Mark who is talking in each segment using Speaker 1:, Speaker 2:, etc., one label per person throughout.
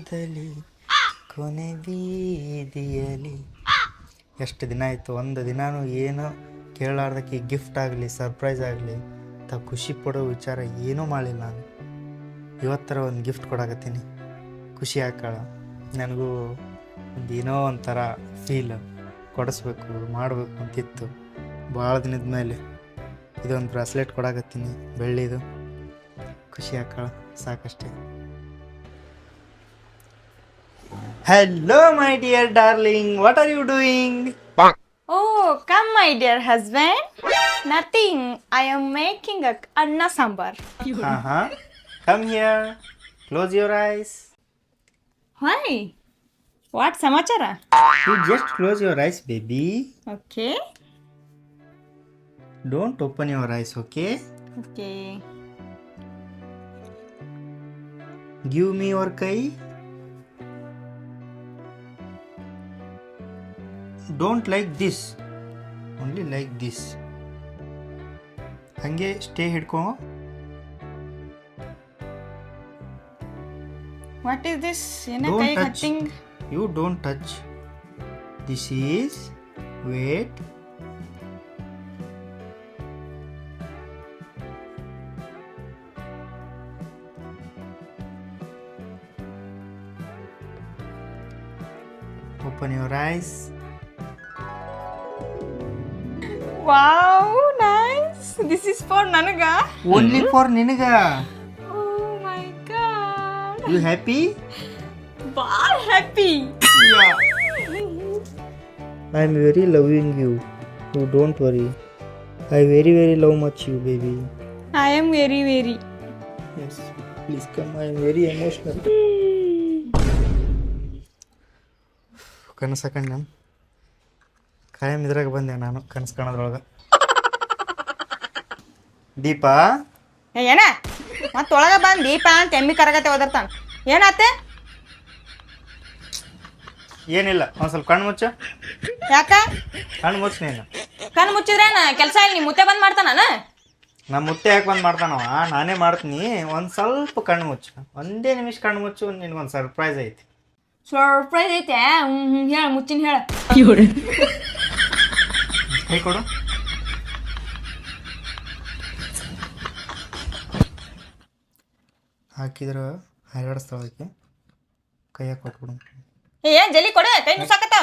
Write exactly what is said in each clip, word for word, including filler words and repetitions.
Speaker 1: ದೂರದಲ್ಲಿ ಕೊನೆ ಬೀದಿಯಲ್ಲಿ. ಎಷ್ಟು ದಿನ ಆಯಿತು, ಒಂದು ದಿನಾನು ಏನು ಕೇಳಾರ್ದಕ್ಕೆ ಗಿಫ್ಟ್ ಆಗಲಿ ಸರ್ಪ್ರೈಸ್ ಆಗಲಿ ತ ಖುಷಿ ಪಡೋ ವಿಚಾರ ಏನೂ ಮಾಡಲಿಲ್ಲ ನಾನು. ಇವತ್ತರ ಒಂದು ಗಿಫ್ಟ್ ಕೊಡಾಕತ್ತೀನಿ, ಖುಷಿ ಆಕಾಳ. ನನಗೂ ಒಂದು ಏನೋ ಒಂಥರ ಫೀಲ್ ಕೊಡಿಸ್ಬೇಕು ಮಾಡಬೇಕು ಅಂತಿತ್ತು ಭಾಳ ದಿನದ ಮೇಲೆ. ಇದೊಂದು ಬ್ರಾಸ್ಲೆಟ್ ಕೊಡಾಕತ್ತೀನಿ ಬೆಳ್ಳಿದು, ಖುಷಿ ಆಕಾಳ ಸಾಕಷ್ಟೇ. Hello my dear darling, what are you doing?
Speaker 2: Oh, come my dear husband. Nothing. I am making a anna sambar.
Speaker 1: Uh-huh. Come here. Close your eyes.
Speaker 2: Why? What samachara?
Speaker 1: You just close your eyes, baby.
Speaker 2: Okay.
Speaker 1: Don't open your eyes, okay?
Speaker 2: Okay.
Speaker 1: Give me your kai. Don't like this. Only like this. ಹಂಗೆ stay ಹಿಡ್ಕೊ.
Speaker 2: What is this? Ena
Speaker 1: Don't
Speaker 2: kai
Speaker 1: touch.
Speaker 2: cutting.
Speaker 1: You don't touch. This is wait. Open your eyes.
Speaker 2: Wow, nice. This is for nanaga.
Speaker 1: Only for ನಿನಗ.
Speaker 2: Oh my god.
Speaker 1: You happy?
Speaker 2: Wow, happy.
Speaker 1: Yeah. I am very loving you. You don't worry. I very very love much you, baby.
Speaker 2: I am very very.
Speaker 1: Yes. Please come. I am very emotional. ಕನಸು ಕಂಡು ಕಾಯಂ ಇದ್ರಾಗ ಬಂದೆ ನಾನು ಕನಸು ಕಾಣೋದ್ರೊಳಗೆ. ದೀಪ
Speaker 2: ಏನ ಮತ್ತೊಳಗ ಬಂದು ದೀಪ ಅಂತ ಎಮ್ಮಿ ಕರಗತ್ತೆ ಓದರ್ತಾನ. ಏನಾತೆ?
Speaker 1: ಏನಿಲ್ಲ, ಒಂದು ಸ್ವಲ್ಪ ಕಣ್ಣು ಮುಚ್ಚ.
Speaker 2: ಯಾಕ
Speaker 1: ಕಣ್ಣು ಮುಚ್ಚ. ನೀನು
Speaker 2: ಕಣ್ಣು ಮುಚ್ಚಿದ್ರೇನ ಕೆಲಸ ಇಲ್ಲಿ ಮುತ್ತೆ ಬಂದ್ ಮಾಡ್ತಾನ.
Speaker 1: ನಮ್ಮ ಮುತ್ತೆ ಯಾಕೆ ಬಂದು ಮಾಡ್ತಾನವ, ನಾನೇ ಮಾಡ್ತೀನಿ. ಒಂದು ಸ್ವಲ್ಪ ಕಣ್ಣು ಮುಚ್ಚು, ಒಂದೇ ನಿಮಿಷ ಕಣ್ಣು ಮುಚ್ಚು. ನಿನ್ಗೊಂದು ಸರ್ಪ್ರೈಸ್ ಐತಿ.
Speaker 2: ಸರ್ಪ್ರೈಸ್ ಐತೆ. ಹ್ಮ್ ಹೇಳ ಮುಚ್ಚಿನ ಹೇಳ.
Speaker 1: ಕೈ ಕೊಡು. ಹಾಕಿದ್ರ ಹರಡಿಸ್ತಾಳಕ್ಕೆ ಕೈಯಾಗ ಕೊಟ್ಬಿಡು.
Speaker 2: ಏನ್ ಜಲ್ಲಿ ಕೊಡ, ಕೈ ನುಸಾಕತ್ತ.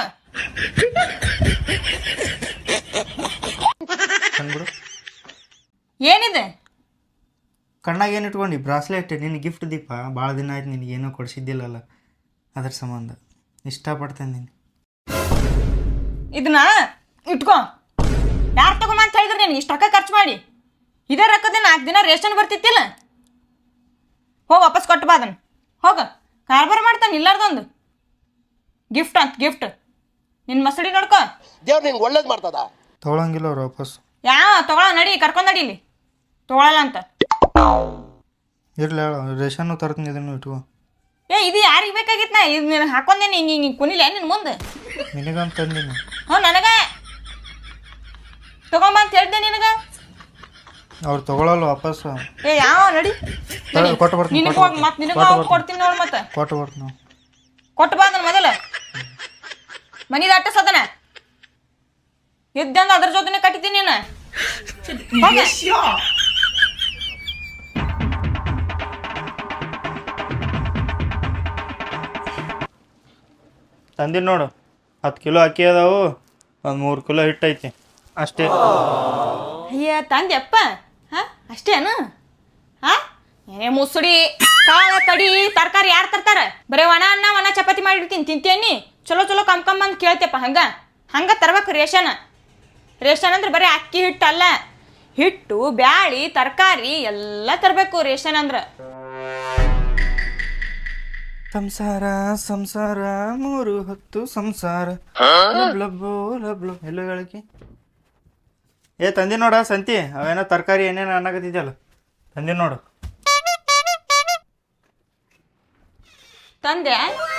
Speaker 1: ಕಂಡ್ಬಿಡು.
Speaker 2: ಏನಿದೆ
Speaker 1: ಕಣ್ಣಾಗ ಏನು ಇಟ್ಕೊಂಡು? ಬ್ರಾಸ್ಲೆಟ್, ನಿನ್ನ ಗಿಫ್ಟ್ ದೀಪ. ಭಾಳ ದಿನ ಆಯ್ತು ನಿನಗೇನೋ ಕೊಡಿಸಿದ್ದಿಲ್ಲಲ್ಲ, ಅದ್ರ ಸಂಬಂಧ ಇಷ್ಟಪಡ್ತೇನೆ ನೀನು.
Speaker 2: ಇದನ್ನ ಇಟ್ಕೊ. ಯಾರು ತಗೊಂಬ ಅಂತ ಹೇಳಿದ್ರೆ ನೀನು ಇಷ್ಟು ರೊಕ್ಕ ಖರ್ಚು ಮಾಡಿ? ಇದೇ ರೊಕ್ಕದ ನಾಲ್ಕು ದಿನ ರೇಷನ್ ಬರ್ತಿತ್ತಿಲ್ಲ. ಹೋಗಿ ವಾಪಸ್ ಕೊಟ್ಟು ಬಾ ಅದನ್ನು. ಹೋಗ ಕಾರ್ಬಾರ ಮಾಡ್ತಾನೆ ಇಲ್ಲಾರ್ದೊಂದು ಗಿಫ್ಟ್ ಅಂತ ಗಿಫ್ಟ್. ನಿನ್ನ ಮಸಡಿ ನೋಡ್ಕೊ.
Speaker 3: ದೇವ್ರು ನಿಂಗೆ ಒಳ್ಳೇದು ಮಾಡ್ತದ.
Speaker 1: ತೊಗೊಳಂಗಿಲ್ಲ ಅವ್ರು ವಾಪಸ್.
Speaker 2: ಯಾವ ತಗೊಳ ನಡಿ, ಕರ್ಕೊಂಡ್ ನಡಿ. ಇಲ್ಲಿ ತಗೊಳಲ್ಲ ಅಂತ
Speaker 1: ಇರಲಿ, ರೇಷನ್ನು ತರ್ತೀನಿ, ಇದನ್ನು ಇಟ್ಕೊ.
Speaker 2: ಏ ಇದು ಯಾರಿಗೆ ಬೇಕಾಗಿತ್ತು? ನಾ ಇದು ನೀನು ಹಾಕೊಂಡೇನಿ ಹಿಂಗೆ ಹಿಂಗೆ ಕುನಿಲೆ ನಿನ್ನ ಮುಂದೆ.
Speaker 1: ನಿನಗಂತ ತಂದಿನಿ.
Speaker 2: ಹ್ಞೂ ನನಗೆ ತಗೊಂಬ ಅಂತ ಹೇಳ್ದೆ ನಿನಗೆ.
Speaker 1: ಅವ್ರು ತಗೊಳಲ್ಲ ವಾಪಸ್.
Speaker 2: ಏ ಯಾವ ನಡಿ
Speaker 1: ಕೊಟ್ಟು ಬರ್ತೀನಿ.
Speaker 2: ನಿನಗೆ ಹೋಗಿ ಮತ್ತೆ ನಿನಗೆ ಹೋಗಿ ಕೊಡ್ತೀನಿ ನೋಡಿ. ಮತ್ತೆ
Speaker 1: ಕೊಟ್ಟು ಬರ್ತೀನಿ.
Speaker 2: ಕೊಟ್ಟು ಬಾ ಅದನ್ನ ಮೊದಲ. ಮನಿ ದಾಟ ಸದನ ಇದ್ದಂದ ಅದ್ರ ಜೊತೆನೆ ಕಟ್ಟಿದ್ದೀನಿ ನೀನು.
Speaker 1: ತಂದಿನಿ ನೋಡು. ಹತ್ತು ಕಿಲೋ ಅಕ್ಕಿ ಅದಾವು, ಒಂದು ಮೂರು ಕಿಲೋ ಹಿಟ್ಟು ಐತಿ ಅಷ್ಟೇ.
Speaker 2: ಅಯ್ಯ ತಂದೆಪ್ಪ. ಹಾಂ ಅಷ್ಟೇನು? ಹಾಂ ಏನೇ ಮುಸುಡಿ ಕಾಳ ಕಡಿ ತರಕಾರಿ ಯಾರು ತರ್ತಾರೆ? ಬರೀ ಒಣ ಅನ್ನ ಒಣ ಚಪಾತಿ ಮಾಡಿರ್ತೀನಿ ತಿಂತೇನಿ. ಚಲೋ ಚಲೋ ಕಮ್ ಕಮ್ ಅಂತ ಕೇಳ್ತೇಪ್ಪ. ಹಂಗೆ ಹಂಗೆ ತರ್ಬೇಕು ರೇಷನ್. ರೇಷನ್ ಅಂದ್ರೆ ಬರೀ ಅಕ್ಕಿ ಹಿಟ್ಟು ಅಲ್ಲ, ಹಿಟ್ಟು ಬ್ಯಾಳಿ ತರಕಾರಿ ಎಲ್ಲ ತರಬೇಕು ರೇಷನ್ ಅಂದ್ರೆ.
Speaker 1: ಸಂಸಾರ ಸಂಸಾರ ಮೂರು ಹೊತ್ತು ಸಂಸಾರ ಲಬ್ಲಬ್ಬೋ ಲಬ್ಲಬ್. ಎಲ್ಲೋ ಹೇಳಕ್ಕೆ ಏ ತಂದಿ ನೋಡ ಸಂತಿ, ಅವೇನೋ ತರಕಾರಿ ಏನೇನು ಅನ್ನಕತ್ತಿದ್ಯಲ್ಲ, ತಂದಿ ನೋಡು.
Speaker 2: ತಂದೆ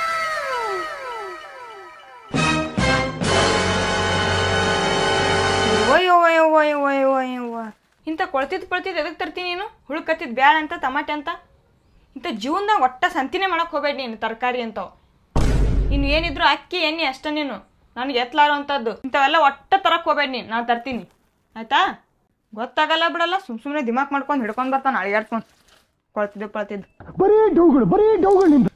Speaker 2: ಒಯ್ಯವ್ವ ಯವ್ವ ಯವ್ವ ಯವ್ವ ಯವ್ವ ಇಂಥ ಕೊಳ್ತಿದ್ದು ಪಳ್ತಿದ್ದು ಎದಕ್ಕೆ ತರ್ತೀನಿ ನೀನು? ಹುಳುಕತ್ತಿದ್ದು ಬ್ಯಾಳ ಅಂತ ಟಮಾಟೆ ಅಂತ ಇಂಥ ಜೀವನದಾಗ ಒಟ್ಟ ಸಂತಿನೇ ಮಾಡಕ್ಕೆ ಹೋಗ್ಬೇಡಿ ನೀನು ತರಕಾರಿ ಅಂತವು. ಇನ್ನು ಏನಿದ್ರು ಅಕ್ಕಿ ಎಣ್ಣೆ ಅಷ್ಟೇ ನೀನು ನನಗೆ ಎತ್ತಲಾರೋ ಅಂಥದ್ದು ಇಂಥವೆಲ್ಲ ಒಟ್ಟ ತರಕ್ಕೆ ಹೋಗ್ಬೇಡಿ ನೀನು, ನಾನು ತರ್ತೀನಿ ಆಯಿತಾ. ಗೊತ್ತಾಗಲ್ಲ ಬಿಡಲ್ಲ, ಸುಮ್ ಸುಮ್ಮನೆ ದಿಮಾಕ್ ಮಾಡ್ಕೊಂಡು ಹಿಡ್ಕೊಂಡು ಬರ್ತಾನೆ ಅಳಿಯಾಡ್ಕೊಂಡು ಕೊಳ್ತಿದ್ದು ಕೊಳ್ತಿದ್ದು
Speaker 3: ಬರೀ ಡೌಗಳು ಬರೀ ಡೌಗಳಿಂದ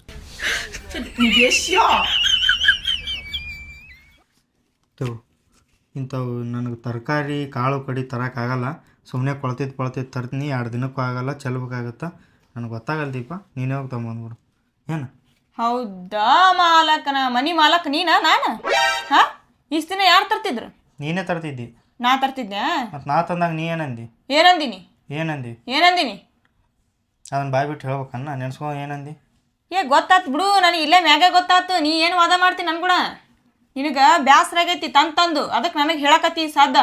Speaker 1: ಇಂಥವು ನನಗೆ ತರಕಾರಿ ಕಾಳು ಕಡಿ ತರೋಕ್ಕಾಗಲ್ಲ. ಸುಮ್ಮನೆ ಕೊಳ್ತಿದ್ದು ಕೊಳ್ತಿದ್ದು ತರ್ತೀನಿ, ಎರಡು ದಿನಕ್ಕೂ ಆಗಲ್ಲ, ಚೆಲ್ಬೇಕಾಗತ್ತೆ. ನನಗೆ ಗೊತ್ತಾಗಲ್ಲ ದೀಪ, ನೀನೇ ಹೋಗಿ ತೊಗೊಂಬಂದ್ಬಿಡು ಏನು.
Speaker 2: ಹೌದಾ ಮಾಲಕನ ಮನಿ ಮಾಲಕ್ ನೀನ ನಾನು? ಹಾ ಇಷ್ಟು ದಿನ ಯಾರು ತರ್ತಿದ್ರು?
Speaker 1: ನೀನೇ ತರ್ತಿದ್ದಿ.
Speaker 2: ನಾ ತರ್ತಿದ್ದೆ
Speaker 1: ಮತ್ತು ನಾ ತಂದಾಗ ನೀ ಏನಂದಿ?
Speaker 2: ಏನಂದಿನಿ
Speaker 1: ಏನಂದಿ?
Speaker 2: ಏನಂದಿನಿ
Speaker 1: ಅದನ್ನು ಬಾಯ್ ಬಿಟ್ಟು ಹೇಳ್ಬೇಕನ್ನ, ನೆನ್ಸ್ಕೊ ಏನಂದಿ?
Speaker 2: ಏ ಗೊತ್ತಾತು ಬಿಡು, ನನಗೆ ಇಲ್ಲೇ ಮ್ಯಾಗೆ ಗೊತ್ತಾತು. ನೀ ಏನು ವಾದ ಮಾಡ್ತೀನಿ ನನ್ ಕೂಡ? ನಿನಗೆ ಬ್ಯಾಸರ ಆಗೈತಿ ತಂದು ತಂದು, ಅದಕ್ಕೆ ನನಗೆ ಹೇಳಕತ್ತಿ ಸಾಧ್ಯ.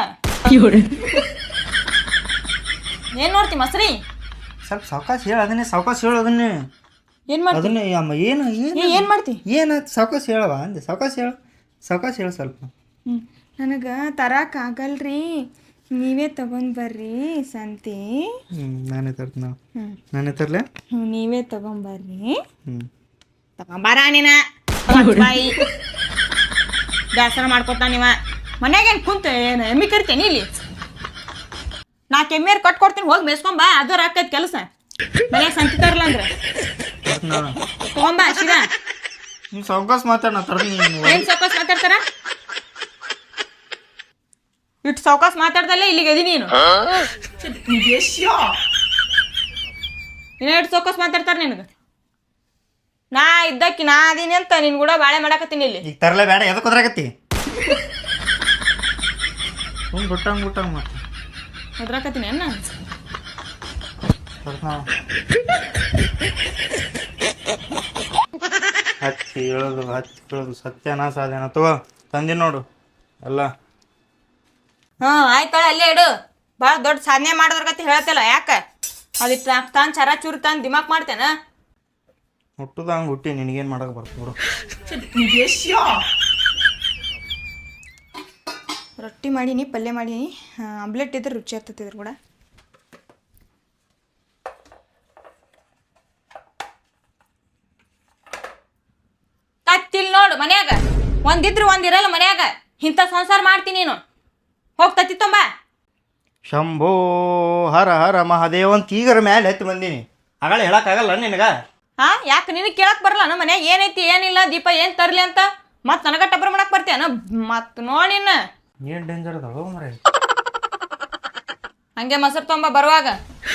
Speaker 2: ಏನು ನೋಡ್ತಿ ಮಸ್ರಿ?
Speaker 1: ಸ್ವಲ್ಪ ಸಾವಕಾಶ ಹೇಳು ಅದನ್ನೇ, ಸಾವಕಾಶ ಹೇಳು ಅದನ್ನೇ.
Speaker 2: ಏನು ಮಾಡ್ತಿ?
Speaker 1: ಅದನ್ನೇ ಅಮ್ಮ ಏನು ಏನು
Speaker 2: ಏನು ಮಾಡ್ತಿ?
Speaker 1: ಏನಾಯ್ತು ಸಾವಕಾಶ ಹೇಳವ ಅಂದೆ, ಸಾವಕಾಶ ಹೇಳು, ಸಾವಕಾಶ ಹೇಳು ಸ್ವಲ್ಪ.
Speaker 2: ಹ್ಞೂ ನನಗೆ ತರಕ್ಕಾಗಲ್ರಿ, ನೀವೇ ತಗೊಂಡ್ ಬರ್ರಿ ಸಂತಿ.
Speaker 1: ಹ್ಞೂ ನಾನೇ ತರ್ತೀನಿ,
Speaker 2: ಹ್ಞೂ
Speaker 1: ನಾನೇ ತರಲೆ.
Speaker 2: ಹ್ಞೂ ನೀವೇ ತಗೊಂಬರ್ರಿ.
Speaker 1: ಹ್ಞೂ
Speaker 2: ತಗೊಂಬಾರ ನೀನ ಬಾಯಿ ಬೇಸರ ಮಾಡ್ಕೊತ ನೀವ. ಮನ್ಯಾಗ ಏನು ಕುಂತ ಏನು ಎಮ್ಮಿ ಕರಿತೇನೆ ಇಲ್ಲಿ? ನಾಲ್ಕು ಎಮ್ಮಿಯರ್ ಕಟ್ ಕೊಡ್ತೀನಿ, ಹೋಗಿ ಮೇಸ್ಕೊಂಬ, ಅದರ ಆಕೈತಿ ಕೆಲಸ. ಮನ್ಯಾಗ ಸಂತಿ ತರಲ್ಲ ಅಂದ್ರೆ ತಗೊಂಬ ಶಿರಾ.
Speaker 1: ನೀವು ಸಾವಕಾಶ ಮಾತಾಡ, ನಾ ತರ್ತೀನಿ.
Speaker 2: ಏನು ಸಾವಕಾಶ ಮಾತಾಡ್ತಾರ? ಇಟ್ಟು ಸಾವಕಾಶ ಮಾತಾಡ್ದಲ್ಲೇ ಇಲ್ಲಿಗೆ ಎದಿ ನೀನು. ಇನ್ನ ಇಟ್ಟು ಸಾವಕಾಶ ಮಾತಾಡ್ತಾರ ನಿನಗೆ? ನಾ ಇದ್ದಕ್ಕಿ ನಾ ಅದೀನಿ ಅಂತ ನಿನ್ ಕೂಡ ಬಾಳೆ ಮಾಡಾಕತ್ತೀನಿ ಇಲ್ಲಿ.
Speaker 1: ಈಗ ತರಲೇ ಬೇಡ, ಎದಕ್ಕೆ ಹೋದ್ರಾಗತ್ತಿ? ಸುಮ್ ಬಿಟ್ಟಂಗೆ ಬಿಟ್ಟಂಗೆ ಮತ್ತೆ
Speaker 2: ಹೋದ್ರಾಕತ್ತೀನಿ ಅನ್ನ
Speaker 1: ಹಚ್ಚಿ ಹೇಳೋದು ಹಚ್ಚಿ ಹೇಳೋದು ಸತ್ಯನಾ ಸಾಧನ ತಗೋ ತಂದಿ ನೋಡು ಎಲ್ಲ.
Speaker 2: ಹ್ಞೂ ಆಯ್ತಾಳ ಅಲ್ಲೇ ಇಡು. ಭಾಳ ದೊಡ್ಡ ಸಾಧನೆ ಮಾಡೋದ್ರಗತಿ ಹೇಳ್ತಿಲ್ಲ ಯಾಕೆ? ಅದಿಟ್ಟು ತಾನು ಚರ ಚೂರು ತಾನು ದಿಮಾಕ್ ಮಾಡ್ತೇನೆ.
Speaker 1: ಹುಟ್ಟುದ ಹಂಗೆ ಹುಟ್ಟಿ ನಿನಗೇನು ಮಾಡಕ್ಕೆ ಬರ್ತದೆ ಬಿಡು.
Speaker 2: ರೊಟ್ಟಿ ಮಾಡೀನಿ, ಪಲ್ಯ ಮಾಡೀನಿ, ಆಮ್ಲೆಟ್ ಇದ್ರೆ ರುಚಿ ಆಗ್ತತಿದ್ರು ಕೂಡ. ತತ್ತಿಲ್ ನೋಡು ಮನ್ಯಾಗ ಒಂದಿದ್ರು ಒಂದಿರಲ್ಲ ಮನ್ಯಾಗ. ಇಂಥ ಸಂಸಾರ ಮಾಡ್ತೀನಿ ನೀನು. ಹೋಗ್ತತಿ ತುಂಬ
Speaker 1: ಶಂಭೋ ಹರ ಹರ ಮಹಾದೇವ್ ಅಂತ ಈಗರ ಮ್ಯಾಲೆ ಎತ್ತಿ ಬಂದೀನಿ. ಆಗಳ ಹೇಳಕ್ಕಾಗಲ್ಲ ನಿನಗೆ?
Speaker 2: ಹಾ ಯಾಕೆ ನಿನಗೆ ಕೇಳಕ್ ಬರಲ್ಲ ನಮ್ಮ ಮನ್ಯಾಗ ಏನೈತಿ ಏನಿಲ್ಲ ದೀಪ ಏನು ತರ್ಲಿ ಅಂತ? ಮತ್ತು ನನಗ ಟಬ್ಬರ್ ಮಾಡಕ್ ಬರ್ತೇನ? ಮತ್ತು ನೋಡಿನ
Speaker 1: ಏನು ಡೇಂಜರ್ ಅದಾವ ಮರ.
Speaker 2: ಹಂಗೆ ಮೊಸರು ತೊಂಬ ಬರುವಾಗ.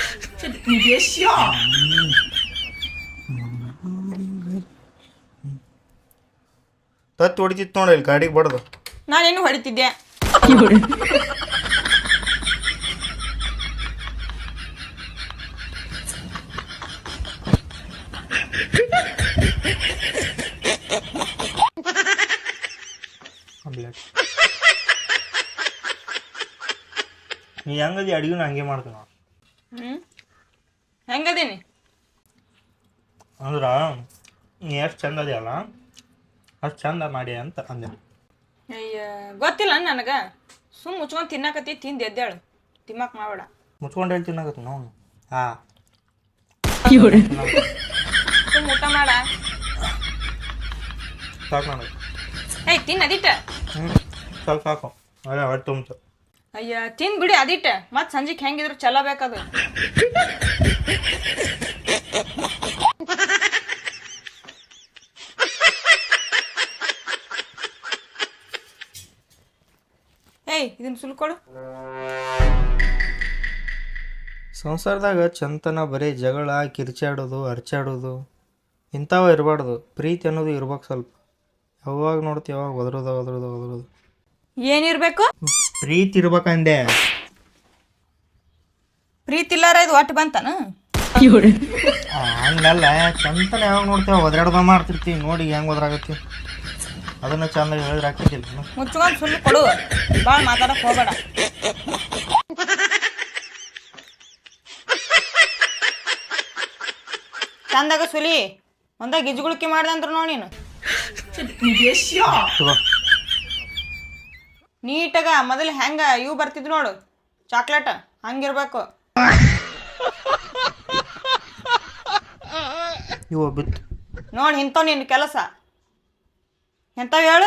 Speaker 1: ತತ್ತಿ ಹೊಡಿತಿತ್ತು ನೋಡಿ ಇಲ್ಲಿ ಗಾಡಿಗೆ ಬಡ್ದು.
Speaker 2: ನಾನೇನು ಹೊಡಿತಿದ್ದೆ.
Speaker 1: ನೀ ಹೆಂಗದಿ ಅಡಿಗೆ ಹಂಗೆ ಮಾಡ್ತೀನಿ ನಾವು.
Speaker 2: ಹ್ಞೂ ಹೆಂಗದೀನಿ
Speaker 1: ಅಂದ್ರೆ ನೀ ಎಷ್ಟು ಚಂದ ಅದೆಯಲ್ಲ ಅಷ್ಟು ಚಂದ ಮಾಡಿ ಅಂತ ಅಂದೆ.
Speaker 2: ಅಯ್ಯ ಗೊತ್ತಿಲ್ಲ ನನಗೆ. ಸುಮ್ಮ ಮುಚ್ಕೊಂಡು ತಿನ್ನಕತ್ತಿ, ತಿಂದು ಎದ್ದೇಳು, ತಿಮ್ಮಕ್ ಮಾಡಬೇಡ.
Speaker 1: ಮುಚ್ಕೊಂಡು ಹೇಳಿ ತಿನ್ನಾಗತ್ತೆ ನಾವು. ಹಾಂ
Speaker 2: ಸುಮ್ಮ ಊಟ ಮಾಡ.
Speaker 1: ಸಾಕು ನನಗೆ.
Speaker 2: ಏಯ್ ತಿನ್ನು ಅದಿಟ್ಟ.
Speaker 1: ಹ್ಞೂ ಸಾಕು ಸಾಕು ಅದೇ ಹೊಟ್ಟೆ ತುಂಬ್ತು.
Speaker 2: ಅಯ್ಯ ತಿಂದು ಬಿಡಿ ಅದಿಟ್ಟ. ಮತ್ತು ಸಂಜೆಗೆ ಹೆಂಗಿದ್ರು ಚಲೋ ಬೇಕದು. ಏಯ್ ಇದನ್ನ ಸುಲ್ಕೊಡು.
Speaker 1: ಸಂಸಾರದಾಗ ಚಂತನ ಬರೀ ಜಗಳ ಕಿರ್ಚಾಡೋದು ಅರ್ಚಾಡೋದು ಇಂಥವು ಇರಬಾರ್ದು. ಪ್ರೀತಿ ಅನ್ನೋದು ಇರ್ಬೇಕು ಸ್ವಲ್ಪ. ಯಾವಾಗ ನೋಡ್ತೀವಿ ಯಾವಾಗ ಒದರೋದ ಒದರೋದ ಒದರೋದು.
Speaker 2: ಏನಿರ್ಬೇಕು?
Speaker 1: ಪ್ರೀತಿ ಇರ್ಬೇಕಂದೆ.
Speaker 2: ಪ್ರೀತಿ ಇಲ್ಲಾರ ಇದು ಒಟ್ಟು ಬಂತಾನ?
Speaker 1: ಹಂಗಲ್ಲ, ಚಂತನ ಯಾವಾಗ ನೋಡ್ತೀವಿ ಒದರಾಡ್ದ ಮಾಡ್ತಿರ್ತೀವಿ. ನೋಡಿ ಹೆಂಗೆ ಒದರಾಗತ್ತಿ ಅದನ್ನ ಚಂದ ಹೇಳಿದ್ರೆ ಹಾಕಿದ್ದಿಲ್ಲ.
Speaker 2: ಮುಚ್ಕೊಂಡು ಸುಳ್ಳು ಕೊಡು, ಭಾಳ ಮಾತಾಡಕ್ಕೆ ಹೋಗಬೇಡ. ಚಂದಾಗ ಸುಲಿ ಒಂದ ಗಿಜ್ಗುಳಿಕೆ ಮಾಡ್ದಂದ್ರು ನೋಡಿ ನೀನು. ನೀಟಾಗ ಮೊದಲು ಹೆಂಗ ಇವು ಬರ್ತಿದ್ರು ನೋಡು ಚಾಕ್ಲೇಟ್, ಹಂಗಿರ್ಬೇಕು.
Speaker 1: ಇವ ಬಿತ್ತು.
Speaker 2: ನೋಡಿ ಇಂಥವ್ ನಿನ್ನ ಕೆಲಸ ಎಂಥವು ಹೇಳು.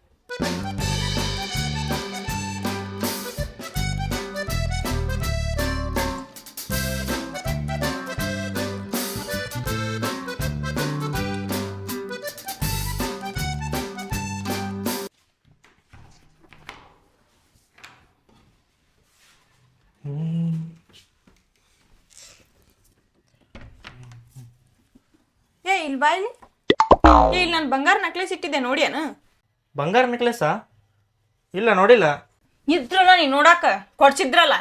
Speaker 2: ಏ ಇಲ್ಲಿ ಬಾ ಇಲ್ಲಿ. ಏ ಇಲ್ಲಿ ನಾನು ಬಂಗಾರ ನಕ್ಲೇಸ್ ಇಟ್ಟಿದ್ದೆ ನೋಡ್ಯಾನ?
Speaker 1: ಬಂಗಾರ ನೆಕ್ಲೆಸ್ಸಾ? ಇಲ್ಲ ನೋಡಿಲ್ಲ.
Speaker 2: ಇದ್ರಲ್ಲ ನೀ ನೋಡಾಕ ಕೊಡ್ಸಿದ್ರಲ್ಲ.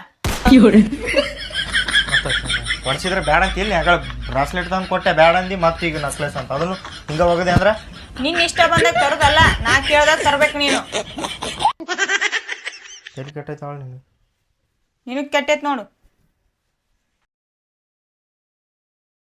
Speaker 1: ಮತ್ತೆ ಕೊಡ್ಸಿದ್ರೆ ಬ್ಯಾಡ ಅಂತ ಇಲ್ಲಿ ಯಾಕಡೆ ಬ್ರಾಸ್ಲೆಟ್ ತಂದು ಕೊಟ್ಟೆ ಬ್ಯಾಡ ಅಂದು ಮತ್ತೆ ಈಗ ನೆಕ್ಲೆಸ್ ಅಂತ ಅದನ್ನು ಹಿಂಗೆ ಹೋಗದೆ ಅಂದ್ರೆ
Speaker 2: ನಿನ್ನ ಇಷ್ಟ ಬಂದಾಗ ತರೋದಲ್ಲ, ನಾ ಕೇಳ್ದಾಗ ತರ್ಬೇಕು ನೀನು.
Speaker 1: ಎಲ್ಲಿ ಕೆಟ್ಟೈತೆ ಅವಳು ನೀನು.
Speaker 2: ನಿನಗೆ ಕೆಟ್ಟೈತೆ ನೋಡು.